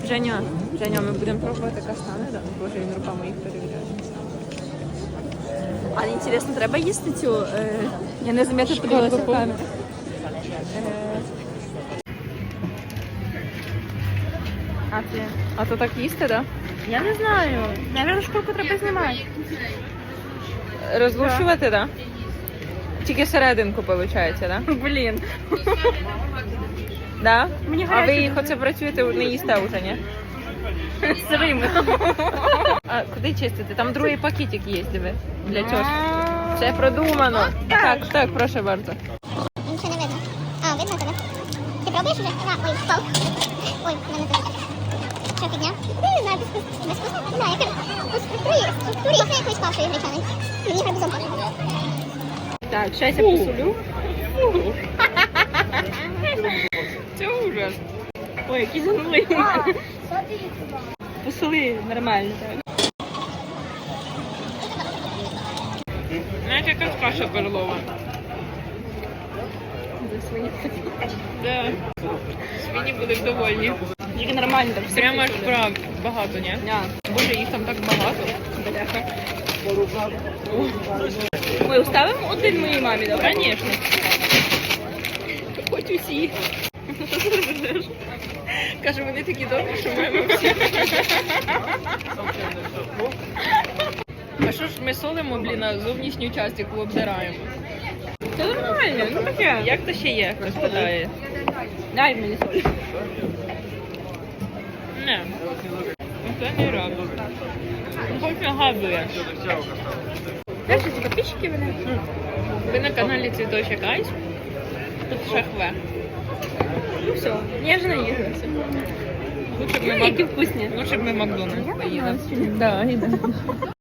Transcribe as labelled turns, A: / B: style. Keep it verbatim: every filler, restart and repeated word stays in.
A: Женя, Женя, ми будемо пробувати каштани, да? Боже, він руками їх перевіряє. А інтересно, треба їсти цю, е... я не замітила, подивилася в камеру. Е... А ти? А то так їсти, да? Я не знаю. Наверно, шкурку треба знімати. Розлушувати, да? Тільки серединку, виходить, да? Блін. Да? Мені а ви їх оце працюєте, не їсте вже, ні? Сирими. А куди чистити? Там другий пакетик є, диви, для тьошки. Все продумано. Так, так, прошу bardzo.
B: Нічого не видно. А, видно тебе? Ти пробуєш уже? А, ой, впав. Ой, в мене тут. Що, підняв? Не знаю, безвкусно. Безвкусно? Не знаю, я кажу, по структурі, структурі я якоїсь павшої гречаний. Мені гарбузом пахне.
A: Так, зараз я посолю. Це ужас. Ой, який згнулий. Посоли нормально. Знаєте, якась каша перлова. Да. Свині будуть довольні. Тільки нормально так. Прямо аж прав багато, ні? Yeah. Боже, їх там так багато. Бляха. Ми оставимо один моїй мамі, да? Звісно. Хоч усі. Каже, вони такі добрі, що маємо всі. А що ж ми солимо, блін, а зовнішню часть, яку обдираємо? Це нормально, ну таке. Як то ще є, хтось питає? Дай мені соль. Не. Це не радо. Хоч нагадує. Знаєш, ці підписчики вони? Ви на каналі Цвіточок Айс. Тут шахве. Ну все, я ж наїлася. Лучше б ми, Які вкусні. Лучше б ми Макдональдс поїли. Да,